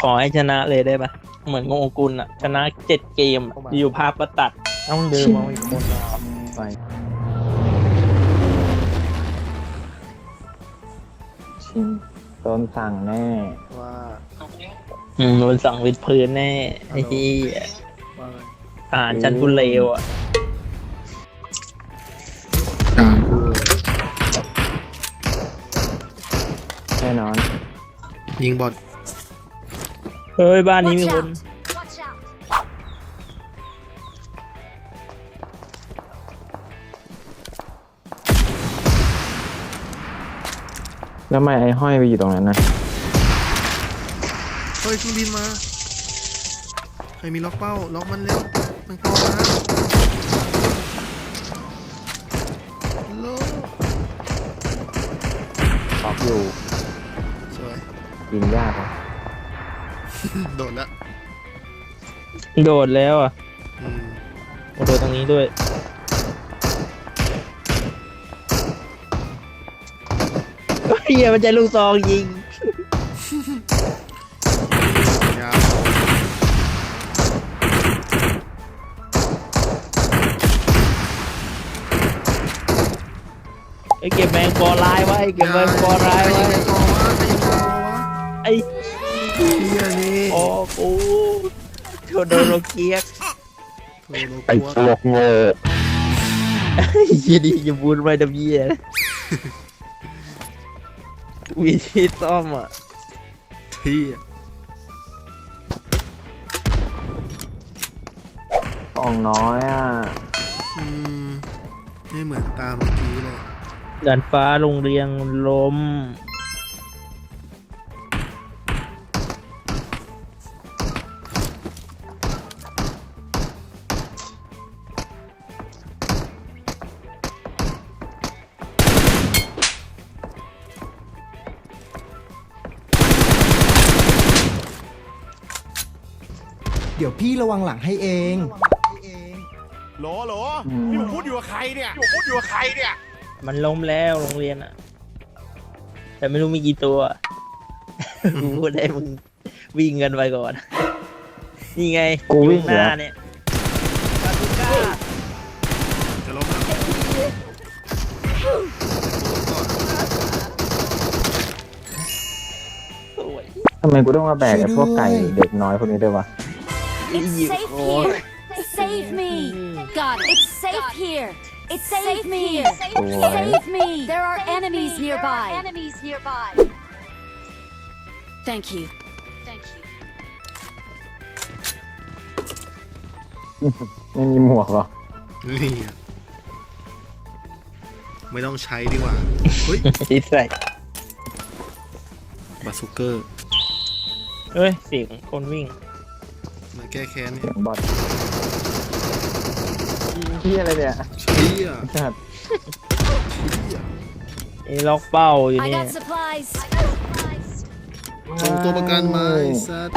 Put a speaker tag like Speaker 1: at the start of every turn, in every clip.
Speaker 1: ขอให้ชนะเลยได้ปะเหมือนโงกุลอะชนะ7 เกมอะอยู่ภาพก็ตัดต้องเดิมเอาอีกคนไป
Speaker 2: ชิมโดนสั่งแน่
Speaker 3: ว่า
Speaker 1: โดนสั่งวิดพื้นแน่ไอ้ที่
Speaker 3: ว่าไง
Speaker 1: ทหารชั้นผู้เลวอ่ะ
Speaker 3: ด่ากู
Speaker 2: แน่นอน
Speaker 3: ยิงบอล
Speaker 1: เฮ้ยบ้านนี้มี
Speaker 4: Watch
Speaker 1: คน
Speaker 4: out! Watch out!
Speaker 2: แล้วทำไมไอ้ห้อยไปอยู่ตรงนั้นนะ
Speaker 3: เฮ้ยเครื่องบินมาใครมีล็อกเป้าล็อกมันเร็วมันเข้ามาฮัลโหล
Speaker 2: ตอบอยู่
Speaker 3: สวย
Speaker 2: ยิงยากนะ
Speaker 3: โดดละ
Speaker 1: โดดแล้วอ่ะ
Speaker 3: อืม
Speaker 1: โดดตรงนี้ด้วยเฮียมันจะลูกซองยิง
Speaker 3: ยาว
Speaker 1: ไอ้เก็บแมงปอลายไว้เก็บแมงปอลายไว้
Speaker 3: ใครยิงวะใครยิงวะ
Speaker 1: ไอ้
Speaker 3: เฮียนี่
Speaker 1: โอ้กูโดนโลเกียก
Speaker 3: โทรโล
Speaker 2: ไอ้
Speaker 3: กัว
Speaker 2: พวกโง่
Speaker 1: ยี่ดีอย่าบูนไปดับเบี้ยวิธีซ่อมอ่ะ
Speaker 3: เที่ย
Speaker 2: กล่องน้อยอ่ะ
Speaker 3: อืมไม่เหมือนตามเมื่อกี้เลย
Speaker 1: ดันฟ้าโรงเรียนล้ม
Speaker 5: เดี๋ยวพี่ระวังหลังให้เอง
Speaker 6: โหลโหลนี่ผมพูดอยู่กับใครเนี่ยผมพูดอยู่กับใครเนี่ย
Speaker 1: มันล้มแล้วโรงเรียนอ่ะ แต่ไม่รู้มีกี่ตัว กูพูดได้มึงวิ่งกันไปก่อน นี่ไง
Speaker 2: กูวิ่ง
Speaker 1: ห
Speaker 2: เหร
Speaker 1: น้า
Speaker 2: อ
Speaker 1: เนี่ยบาซูก้า
Speaker 3: จะล้มแล้วก่อน
Speaker 1: สวย
Speaker 2: ทำไมกูต้องมาแบกไอ้พวกไก่เด็กน้อยพวกนี้ด้วยวะ
Speaker 4: It's safe here! Save me! God, it's safe here! It's safe here! Save me! There are enemies nearby! Thank you. Thank you.
Speaker 2: ไม่มีหมวกหรอ
Speaker 3: นี่อะไม่ต้องใช้ดีกว่า เฮ้ย
Speaker 1: ที่ใส่
Speaker 3: บาซูเกอร์
Speaker 1: เฮ้ยเสียงคนวิ่ง
Speaker 3: มาแก้แค้นเนี่
Speaker 2: เสี
Speaker 3: ย
Speaker 2: ยงบอดที่อะไรเนี่ย
Speaker 3: เชี่ย
Speaker 2: ชัด
Speaker 1: ไอ้ล็อกเป้าอยู่
Speaker 4: I
Speaker 1: เนี่ย
Speaker 4: got supplies.
Speaker 3: ส่งตัวประกันมาไอ้สัส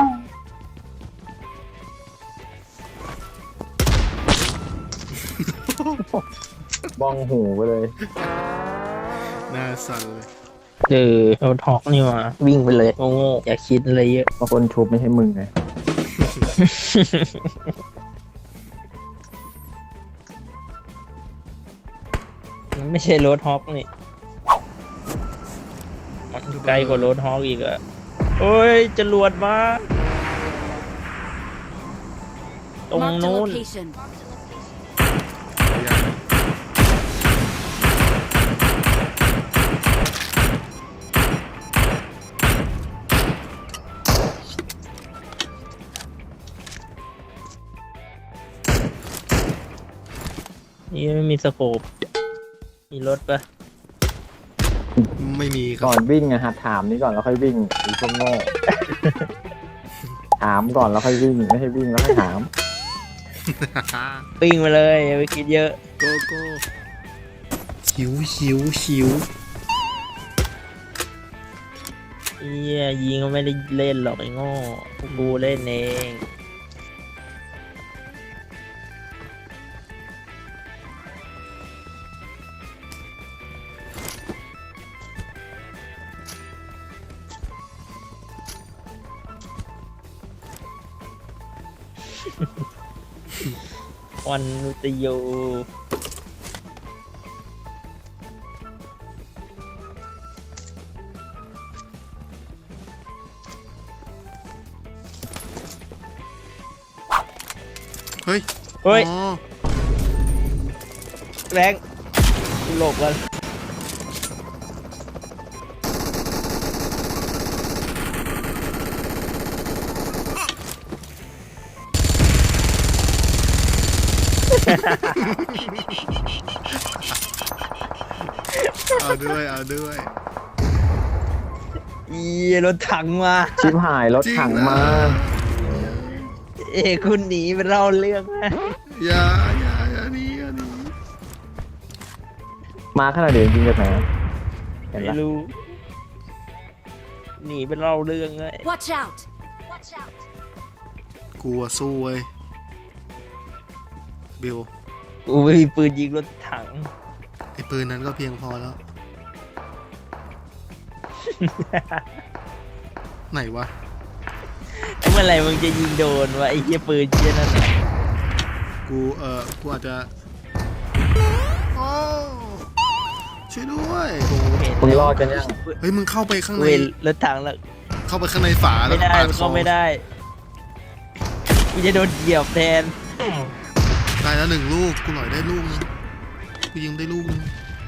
Speaker 2: บ้องหูไปเลย
Speaker 3: หน้าสั่นเลย
Speaker 1: เราทอกนี่มาวิ่งไปเลยโง่ๆอย่าคิดอะไรเยอะ
Speaker 2: บางคนชุบไม่ใช่มึงไง
Speaker 1: มันไม่ใช่รถฮอกนี่มันไกลกว่ารถฮอกอีกอะโอ้ยจรวดมาตรง
Speaker 4: Marked a
Speaker 1: นู้น
Speaker 4: location.
Speaker 3: ยัง
Speaker 1: นี่ไม่มีสโคปมีรถปะ
Speaker 3: ไม่มีค
Speaker 2: ก่
Speaker 3: รั
Speaker 2: อบ นวิ่งอะหัดถามนี่ก่อนแล้วค่อยวิ่งไอ้พวกโง่ ถามก่อนแล้วค่อยวิ่งไม่ใช่วิ่งแล้วค่อยถาม
Speaker 1: ปิ้งมาเลยอย่าไปคิดเยอะ
Speaker 3: โกโก้หิวหิวหิว
Speaker 1: เฮียยิงก็ไม่ได้เล่นหรอกไอ้โง่พวกกูเล่นเองวันนุตโย
Speaker 3: เฮ้ย
Speaker 1: เฮ้ย
Speaker 3: อ๋อ
Speaker 1: แรงหลบกัน
Speaker 3: เอาด้วยเอาด้วย
Speaker 1: อีรถถังมา
Speaker 2: ชิบหายรถถังมา
Speaker 1: เอ้คุณหนีไปเล่าเรื่องนะ
Speaker 3: อย่าหนี่อย่าหนี่
Speaker 2: มาขนาดเดียวจริงๆจากไหนเห็น
Speaker 1: ไม่
Speaker 2: ละ
Speaker 1: รู้หนีไปเล่าเรื่องเลย
Speaker 4: Watch out! Watch out!
Speaker 3: กลัวสู้เว้ยบิว
Speaker 1: กูไม่มีปืนยิงรถถัง
Speaker 3: ไอ้ปืนนั้นก็เพียงพอแล้ว ไหนวะ
Speaker 1: เมื่อไหร่มึงจะยิงโดนวะไอ้เหี้ยปืนเหี้ยนั่นน่ะ
Speaker 3: กูอาจจะโอ้ช่วยด้วย
Speaker 1: เห็น
Speaker 2: มึงรอดกันยัง
Speaker 3: เฮ้ยมึงเข้าไปข้างใน
Speaker 1: เว้นรถถังแล้ว
Speaker 3: เข้าไปข้างในฝาแล้
Speaker 1: ไม่
Speaker 3: ว
Speaker 1: ได้
Speaker 3: ปาด
Speaker 1: มัน
Speaker 3: ค
Speaker 1: ก็
Speaker 3: อ
Speaker 1: ไม่ได้กูจะโดนเหยียบแทน
Speaker 3: ได้แล้ว1 ลูกกูหน่อยได้ลูกนึงกูยิงได้ลูกนึง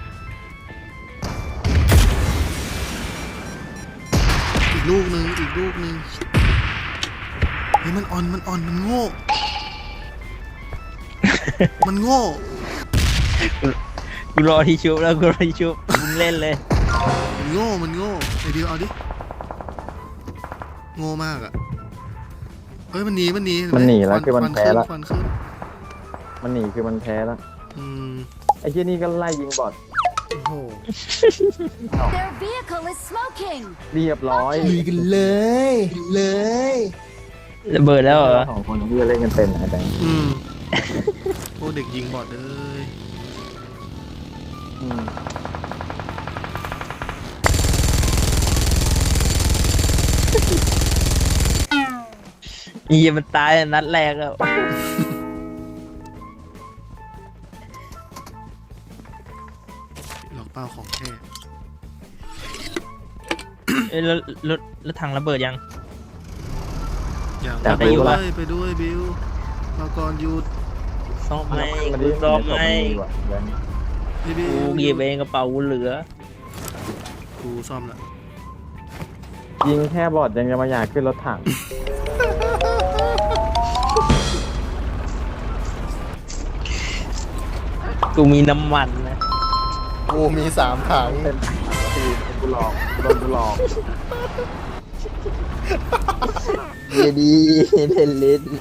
Speaker 3: อีกลูกนึงเฮ้ยมันอ่อนมันโง่ มันโง่
Speaker 1: กูรอที่ชุบแล้วกูรอที่ชุบมึงเล่นเลย
Speaker 3: มันโง่ไอ้ดิวเอาดิโง่มากอ่ะเฮ้ยมันหนี
Speaker 2: มันหนีแล้วคือมันแพ้แล้ว
Speaker 3: ควันขึ้น
Speaker 2: มันหนีคือมันแพ้แล้ว
Speaker 3: อืม
Speaker 2: ไอ้เหี้ยนี่ก็ไล่ยิงบอท
Speaker 3: โอ้โห
Speaker 4: Their vehicle is smoking!
Speaker 2: เรียบร้อย
Speaker 5: ลุยกันเลยเลย
Speaker 1: ระเบิดแล้วเหรอ
Speaker 2: สองคนที่เล่นกันเป็นไอ้แบงค์
Speaker 3: อืมโอ้เด็กยิงบอดเลย
Speaker 2: อืม
Speaker 1: เหี้ยมันตายนัดแรกแล้ว
Speaker 3: ล็อกเป้าของแท้
Speaker 1: เอ้ยแล้วถังระเบิดยัง
Speaker 3: อย่าง
Speaker 1: แต่ไปอยู่ปะ
Speaker 3: ไปด้วยบิวมาก่อนหยุด
Speaker 1: ซ่อมไหม
Speaker 2: มัน
Speaker 1: กู
Speaker 2: ดี
Speaker 1: ซ่อมไหม
Speaker 2: ว่ะแบงค์
Speaker 3: พี่บิว
Speaker 1: กูหยิบเองกระเป๋ากูเหลือ
Speaker 3: กูซ่อมละ
Speaker 2: ยิงแค่บอทยังจะมาอยากขึ้นรถถัง
Speaker 1: กูมีน้ำมันนะ
Speaker 3: กูมี3 ถัง
Speaker 2: เป็นทีมกูหลอกกูโดนกูหลอก
Speaker 1: เยดีเล่นเล่น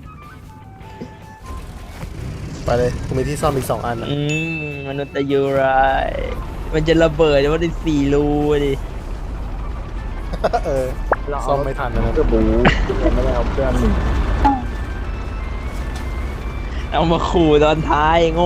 Speaker 3: ไปเลยกูมีที่ซ่อมอีก2 อันนะ
Speaker 1: มนุษย์ตะยูไรายมันจะระเบิดว่าได้4 รูดิ
Speaker 3: เออ
Speaker 2: เรา
Speaker 3: ซ่อมไม่ทันนะ
Speaker 2: เพื่อบูไม่ได้เอาเพื่อนหนึ่ง
Speaker 1: เอามาขู่ตอนท้ายโง่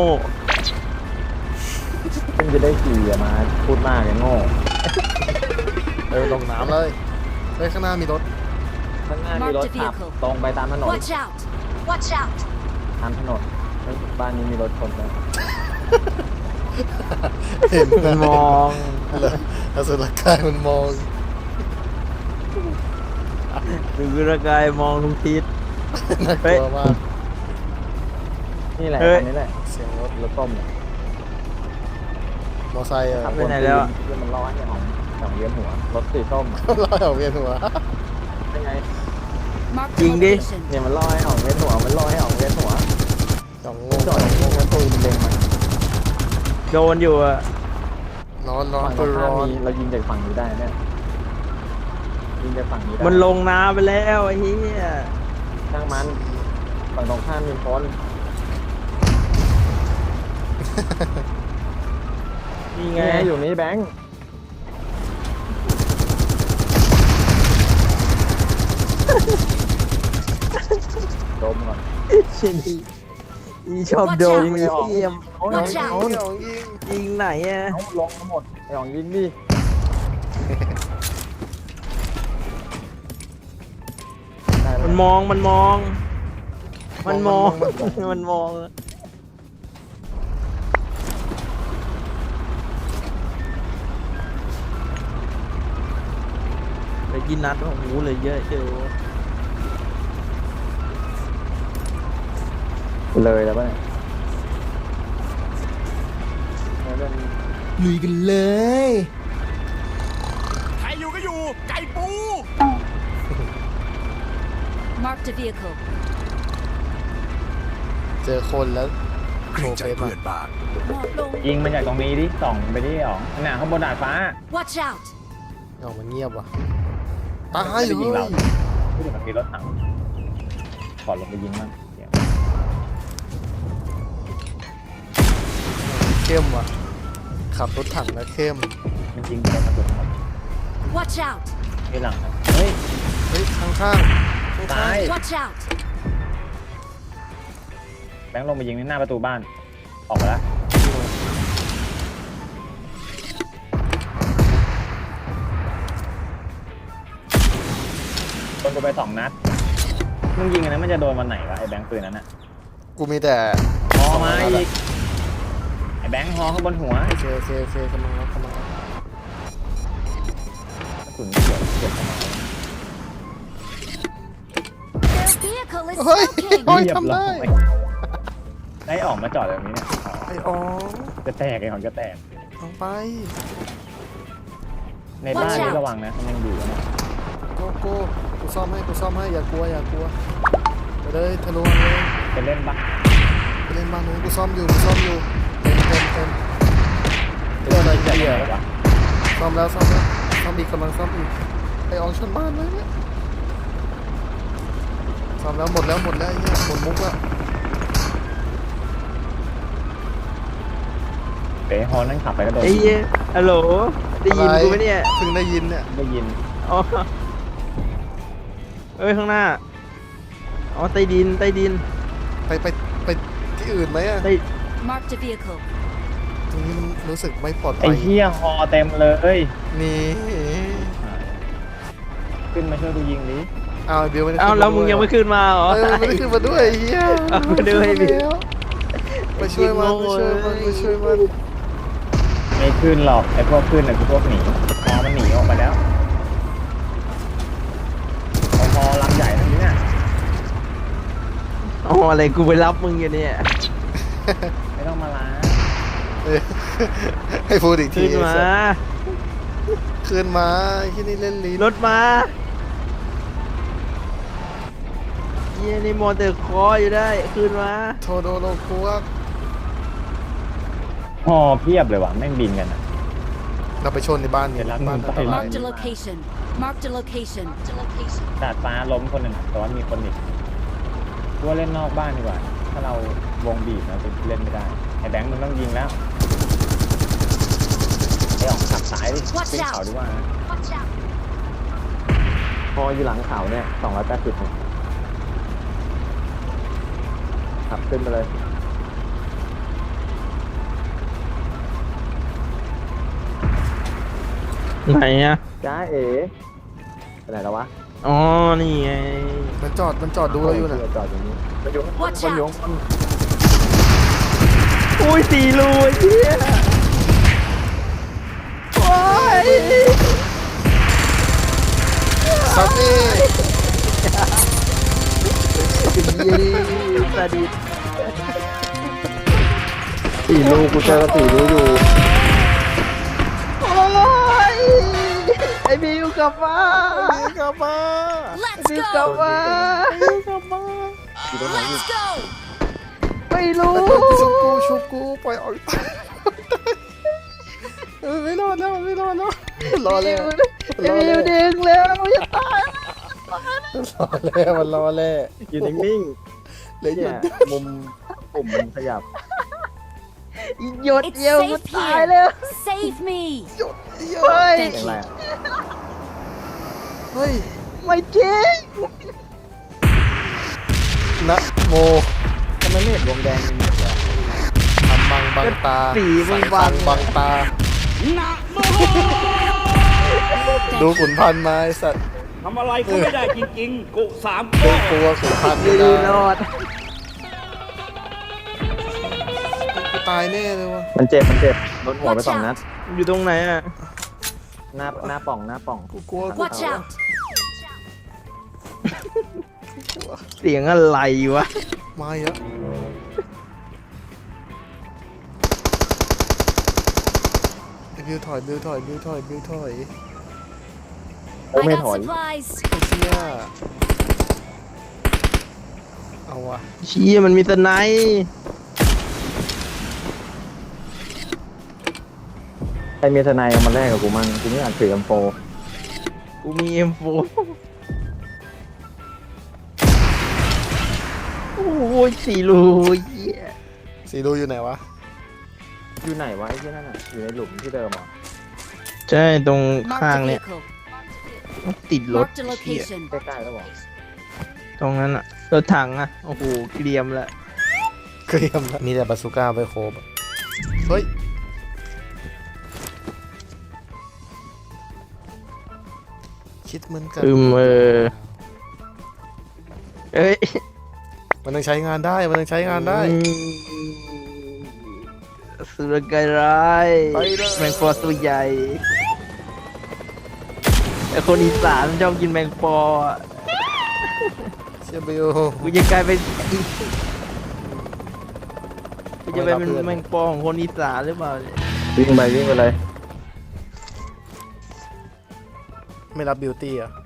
Speaker 2: เพิ่งจะได้ขี่อะมาพูดมากเลยโง่
Speaker 3: ลงน้ำเลยเฮ้ยข้างหน้ามีรถ
Speaker 2: ข้างหน้ามีรถขับตรงไปตามถนน
Speaker 4: Watch out! Watch out!
Speaker 2: ตามถนนเฮ้ยบ้านนี้มีรถชนแล้ว
Speaker 3: เห็น
Speaker 1: มันมอง
Speaker 3: อสุรกายมันมอง
Speaker 1: ดูร่างกายมองทุกทิศ
Speaker 3: น่ากลัวมาก
Speaker 2: นี่แหละ
Speaker 1: เฮ้ย
Speaker 2: อันนี้แหละ
Speaker 3: เสียงรถ
Speaker 2: รถต้มเนี่ย
Speaker 3: มอไซค์อะ
Speaker 2: ขับ
Speaker 1: ไปไหนแล้วอะ
Speaker 2: ที่มันล้อให้ของเวียนหัวรถสีส้มอะ
Speaker 3: ล้อเวียนหัว
Speaker 2: เป็นไง
Speaker 4: Mark the
Speaker 1: Ding, ding.
Speaker 4: location.
Speaker 2: เนี่ยมันล้อให้ของเวียนหัวมันล้อให้ของเวียนหัว
Speaker 3: สองโง
Speaker 2: จอดอย่างนี้แล้วตัวมันเล็งมัน
Speaker 1: โดนอยู่อะ
Speaker 3: ร้อน
Speaker 2: ฝั่งต
Speaker 3: ตั
Speaker 2: ร
Speaker 3: ว
Speaker 2: งข้า
Speaker 3: ร้
Speaker 2: ม
Speaker 3: อน
Speaker 2: มีเรายิงจากฝั่งนี้ได้เนี่ยยิงจากฝั่งนี้ได้
Speaker 1: มันลงน้ำไปแล้วไอ้เหี้ย
Speaker 2: ช่างมันฝั่งตรงข้ามมีคน
Speaker 1: นี่
Speaker 2: ไง
Speaker 1: ไง
Speaker 2: อยู่นี่แบงค์ดมก่อน
Speaker 1: อีชอบโดน
Speaker 2: ยิงเลยออก
Speaker 1: เยี่ยม
Speaker 4: Watch out!
Speaker 1: ยิงไหนอะ
Speaker 2: เอาลงมาหมดไอ้ของยิงดิได้
Speaker 1: มัน
Speaker 2: แล้ว
Speaker 1: มองมันมองมันมองไปกินนัดโอ้โหเลยเยอะเจอ
Speaker 2: เลยแล้วป่ะเนี่ยแล้วเรื่อง
Speaker 5: ลุยกันเลย
Speaker 6: ใครอยู่ก็อยู่ ไก่ปู
Speaker 4: Marked a vehicle.
Speaker 3: เจอคนแล้วโชว์เฟซมา
Speaker 2: ยิงมันจากตรงนี้ดิส่องไปที่อ๋องน่ะข้างบนดาดฟ้า
Speaker 4: Watch out!
Speaker 3: เอามันเงียบว่ะตาย
Speaker 2: ไม่ได้ยิงเรา
Speaker 3: เฮ้ย
Speaker 2: พูดถึงมันมีรถถังขอลงไปยิงมันเดี๋ยว
Speaker 3: เข้มว่ะขับรถถังแล้วเข้ม
Speaker 2: มันยิงโดนกระสุนหมด
Speaker 4: Watch out!
Speaker 2: ที่หลังครับเฮ้ย
Speaker 3: เฮ้ยข้างๆ
Speaker 2: ตาย
Speaker 4: Watch out!
Speaker 2: แบงค์ลงไปยิงในหน้าประตูบ้านออกมาแล้วโดนกูไป2 นัดมึงยิงอันนั้นมันจะโดนวันไหนวะไอ้แบงค์ปืนนั้นอะ
Speaker 3: กูมีแต่
Speaker 2: ฮอมาอีกไอ้แบงค์ฮอข้างบนหัว
Speaker 3: โอเคกำลังแล้ว
Speaker 2: กระสุนเฉียดเข้ามา
Speaker 4: Their vehicle is
Speaker 3: เฮ้ย
Speaker 4: smoking!
Speaker 3: โอ้ย
Speaker 2: เรีบ
Speaker 3: ทำได้
Speaker 2: ร้อยได้ออกมาจอดแบบนี้เนี่ย
Speaker 3: ไอ้อ๋อ
Speaker 2: จะแตกไอ้หอนจะแตก
Speaker 3: เอาไป
Speaker 2: ในบ้านนี่ระวังนะมันยังอยู่นะ
Speaker 3: กูซ่อมให้อย่ากลัวไปเลยทะลุมาเลย
Speaker 2: จะเล่นปะ
Speaker 3: ไปเล่นบ้านนู้นกูซ่อมอยู่เต็ม
Speaker 2: โดนอะไรจะเยอะวะ
Speaker 3: ซ่อมอีกกำลังซ่อมอีกไอ้อองชนบ้านเลยเนี่ยซ่อมแล้วหมดแล้วไอ้เนี่ยหมดมุกแล้ว
Speaker 2: เป๋ฮอนั่งขับไปก็โดน
Speaker 1: ไอ้เหี้ยฮัลโหลได้ยินกูไหมเนี่ย
Speaker 3: เพิ่งได้ยินเนี่ย
Speaker 2: ได้ยิน
Speaker 1: อ๋อเอ้ยข้างหน้าอ๋อใต้ดิน
Speaker 3: ไปที่อื่นไหมอะ
Speaker 1: ใต้
Speaker 4: Marked a vehicle.
Speaker 3: ตรงนี้มันรู้สึกไม่ปลอด
Speaker 2: ไอ้
Speaker 3: ภัย
Speaker 2: เหี้ยฮอเต็มเลย
Speaker 3: นี่
Speaker 2: ขึ้นมาช่วยดูยิงดิ
Speaker 3: เอาเดี๋ยวไม่ได้
Speaker 1: เอ้า
Speaker 3: ขึ้น
Speaker 1: แล้วมึงยังไม่ขึ้นมาเหรอ
Speaker 3: ไม่ได้ขึ้นมาด้วยไอ้เหี้ย
Speaker 1: เอาไปด้วยดิ
Speaker 3: ไปช่วยมัน
Speaker 2: ไม่ขึ้นหรอกไอ้พวกขึ้นน่ะคือพวกหนีฮอมันหนีออกไปแล้วเอาฮอลำใหญ่ทั้งนี้น่ะ
Speaker 1: อ๋ออะไรกูไปรับมึงอยู่เนี่ย
Speaker 2: ไม่ต้องมาล้าง
Speaker 3: เออให้พูดอีกที
Speaker 1: ขึ้นมา
Speaker 3: ขึ้นมาที่นี่เล่นลิ้น
Speaker 1: รถมาเยี่ยนี่มอเตอร์คอร์อยู่ได้ขึ้นมา
Speaker 3: โทโดโลคุก
Speaker 2: ฮอเพียบเลยว่ะแม่งบินกันอ่ะ
Speaker 3: เราไปชนในบ้านเนี่ย
Speaker 2: เดี๋ยวรัก
Speaker 3: บ้าน
Speaker 2: มึง
Speaker 3: อันตราย
Speaker 4: Marked a location. Marked a location.
Speaker 2: ดาดฟ้าล้มคนหนึ่งแต่ว่ามีคนอีกกูว่าเล่นนอกบ้านดีกว่า ถ้าเราวงบีบเราจะเล่นไม่ได้ไอ้แบงค์มึงต้องยิงแล้วไอ้ออกขับสายดิขึ้นเขาดีกว่า
Speaker 4: Watch out!
Speaker 2: พออยู่หลังเขาเนี่ย280ขับขึ้นไปเลย
Speaker 1: ไหนอะ
Speaker 2: จ้าเอ๋ไปไหนแล้ววะ
Speaker 1: อ๋อนี่ไง
Speaker 3: มันจอดดูเราอยู่นะ
Speaker 2: จอดอยู่นี่มันอยู่
Speaker 4: Watch
Speaker 2: มันอยู่
Speaker 4: out!
Speaker 1: อุ้ย4 รูไอ้เหี้ยโอ้ย
Speaker 3: ซับนี่
Speaker 1: ยี่สดิษ
Speaker 2: 4 รูกูเจอ4 รูอยู่
Speaker 1: โอ้ยไอ้บิวกลับมา
Speaker 3: กลับมา
Speaker 4: Let's
Speaker 1: บิวกลับ
Speaker 4: go!
Speaker 1: มา
Speaker 4: Let's go!
Speaker 1: ไม่รู้
Speaker 3: ชุบกูปล่อยออกไม่รอดแล้วรอแล้ว
Speaker 1: ไอ้บิวดึงแล้วจะตาย
Speaker 3: มันรอแล้ว
Speaker 2: อยู่นิ่ง
Speaker 3: เลย
Speaker 2: ๆ
Speaker 3: หยุ
Speaker 2: เนี่ย
Speaker 3: ด
Speaker 2: มุมปุ่มมันขยับ
Speaker 1: หยด
Speaker 4: It's
Speaker 1: เดียวมัน
Speaker 4: safe
Speaker 1: ตายแล้ว
Speaker 4: here. Save me.
Speaker 1: เฮ้ย
Speaker 4: Thank
Speaker 2: อย่างไร
Speaker 4: you.
Speaker 2: อะ
Speaker 3: เฮ้ย
Speaker 1: ไม่จริง
Speaker 3: นะโม
Speaker 2: ทำไมไม่เห็นวงแดงมีหมดเลย
Speaker 3: ทำบังตา
Speaker 1: สีมึง
Speaker 3: สาย
Speaker 1: บัง
Speaker 3: บังตา ดูขุนพันธุ์มาไอ้สัตว์
Speaker 7: ทำอะไรก็ไม่ได้จริงๆ กูสาม
Speaker 3: ดู
Speaker 7: ก้อ
Speaker 3: ตัวขุนพันธุ์
Speaker 1: ดี
Speaker 3: ไม่ได้
Speaker 1: รอด
Speaker 3: ตายแน่เลยวะ
Speaker 2: มันเจ็บโดนหัวไป
Speaker 4: Watch
Speaker 2: 2 นัด
Speaker 4: out!
Speaker 1: อยู่ตรงไหนอ่ะ
Speaker 2: หน้าป่อง
Speaker 3: กูกลัว
Speaker 4: Watch out!
Speaker 1: เสียงอะไรวะ
Speaker 3: มาอีกแล้วไอ้บิวถอย
Speaker 2: โอ้
Speaker 4: I
Speaker 2: ไม่
Speaker 4: got
Speaker 2: ถอย
Speaker 4: supplies.
Speaker 3: ไอ้เชี่ยเอาวะ
Speaker 1: เชี่ยมันมีสไนป์
Speaker 2: ใครมีทนายเอามาแลกกับกูมั่งกูไม่อยากถือ M4
Speaker 1: กูมี M4 โอ้ยสี่รูเหี้ย
Speaker 3: สีรูอยู่ไหนวะ
Speaker 2: อยู่ไหนวะไอ้ที่นั่นอ่ะอยู่ในหลุมที่เดิมเหรอ
Speaker 1: ใช่ตรง
Speaker 4: Marked
Speaker 1: ข้าง
Speaker 4: a
Speaker 1: เนี่ย
Speaker 4: vehicle.
Speaker 1: ติดรถ
Speaker 4: Marked a location.
Speaker 2: ใกล้ๆแล้วบอก
Speaker 1: ตรงนั้นอะรถถังอะโอ้โหเกรียมแล้ว
Speaker 3: เกรียมแล้วมีแต่บาซูก้าไปโคบอะเฮ้ย คิดเหมือนกัน
Speaker 1: เอ้ย
Speaker 3: มันต้องใช้งานได้
Speaker 1: สุรกายร้าย
Speaker 3: ไปเลย
Speaker 1: แมงปอตัวใหญ่ไอคนอีสานชอบกินแมงปออะ
Speaker 3: เชียบิว
Speaker 1: กูจะกลายเป็นกูจะไปเป็นแมงปอของคนอีสานหรือเปล่าเนี่ย
Speaker 2: วิ่งไปเลย
Speaker 3: ไม่รับบิวตี้อ่ะ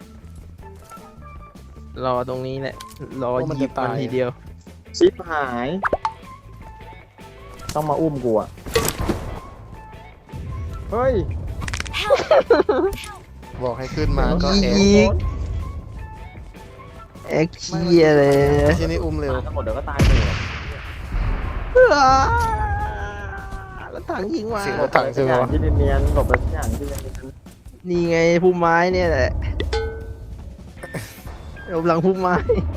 Speaker 1: รอตรงนี้แหละรอ
Speaker 3: ว่ามัน
Speaker 1: หยิบ
Speaker 3: จะตาย
Speaker 1: มันทีเดียว
Speaker 2: ชิปหาย ต้องมาอุ้มกูอ่ะเฮ้ย
Speaker 3: บอกให้ขึ้นมาก็แอ
Speaker 1: อีกแอคเชียเลย
Speaker 3: ที่นี่อุ้มเร็ว
Speaker 2: มาทั้งหมดเดี๋ยวก็ตายเลย
Speaker 1: แล้วถังยิงมา
Speaker 3: เสียงรถถังใช่ไหมวะ
Speaker 2: ที่เนียนๆหลบไปทุกอย่างที่เนียน
Speaker 1: นี่ไงพุ่มไม้เนี่ยแหละหลบหลังพุ่มไม้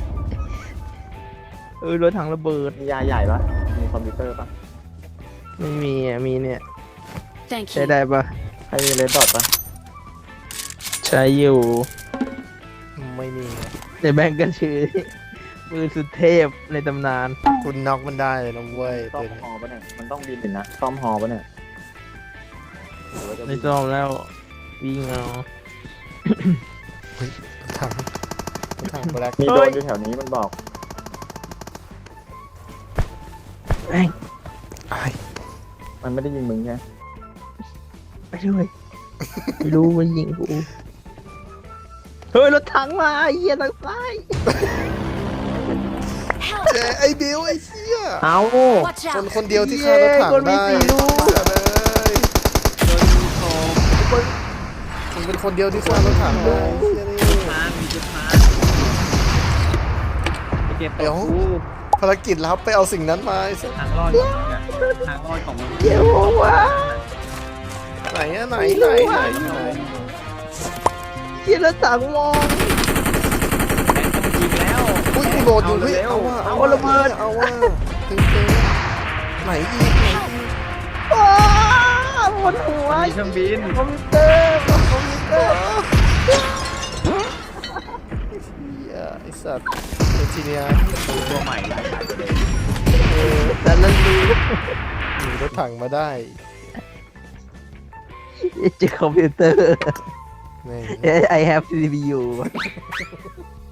Speaker 1: รถถังระเบิด
Speaker 2: ๆมียาใหญ่ปะมีคอมพิวเตอร์ปะ
Speaker 1: ไม่มีอ่ะมีเนี่ย
Speaker 4: Thank
Speaker 1: ใช้
Speaker 4: you.
Speaker 1: ได้ปะ
Speaker 2: ใครมีเลนส์ดอทปะ
Speaker 1: ใช้อยู่
Speaker 3: ไม่มี
Speaker 1: ในแบงก์ก็ชื่อมือสุดเทพในตำนาน
Speaker 3: คุณน็อกมันได้เลยนะเว้ย
Speaker 2: ซ่อ
Speaker 3: ตัว
Speaker 2: ม
Speaker 3: นี้
Speaker 2: ฮอปะเนี่ยมันต้องบินนะซ่อมฮอปะเนี่ยหรือว่าจะ
Speaker 1: ไม่
Speaker 2: บิน
Speaker 1: ต้องแล้ววิ่งเอา
Speaker 3: ถังถังแบล็ค
Speaker 2: มีโดรนอยู่แถวนี้มันบอก
Speaker 1: แม่ง
Speaker 2: มันไม่ได้ยิงมึงใช่ไหม
Speaker 1: ไปด้วยไม่รู้มันยิงกูเฮ้ยรถถังมาไอ้เหี้ยทางซ้าย
Speaker 3: เจ๊ไอ้บิวไอ้เชี่ย
Speaker 2: เอา
Speaker 4: Watch
Speaker 3: คน
Speaker 4: out!
Speaker 3: คนเดียวที่ฆ่ารถถัง
Speaker 1: คนมี
Speaker 3: ได้
Speaker 1: สี่ลูก
Speaker 3: เลยมึงเป็นคนเดียวที่ฆ่ารถถังได้เชี่ยนี่
Speaker 2: เก็บ
Speaker 3: เดี๋ยวภารกิจลับไปเอาสิ่งนั้นมาไอ้สัส
Speaker 2: ทางรอดทางรอดของมึง
Speaker 1: เดี๋ยววะ
Speaker 3: ไหนอะไหน
Speaker 1: เหี้ยรถถังมอง
Speaker 2: จริงแล้ว
Speaker 3: อุ้ยกูโหลดอยู่เฮ้ยเอาว่ะ
Speaker 1: เอาระเบิด
Speaker 3: เอาว่ะตึงไหนอีก
Speaker 1: อ้าวบนหัว
Speaker 2: มีเครื่องบิน
Speaker 1: คอมพิวเตอร์คอมพิวเตอร์
Speaker 3: เหี้ยไอ้สัตว์เอทีเนีย
Speaker 2: ตัวใหม่หลายประเด็น
Speaker 1: แต่ละรู
Speaker 3: หนีรถถังมาได้
Speaker 1: เจอคอมพิวเตอร์
Speaker 3: แม่ง
Speaker 1: I have CPU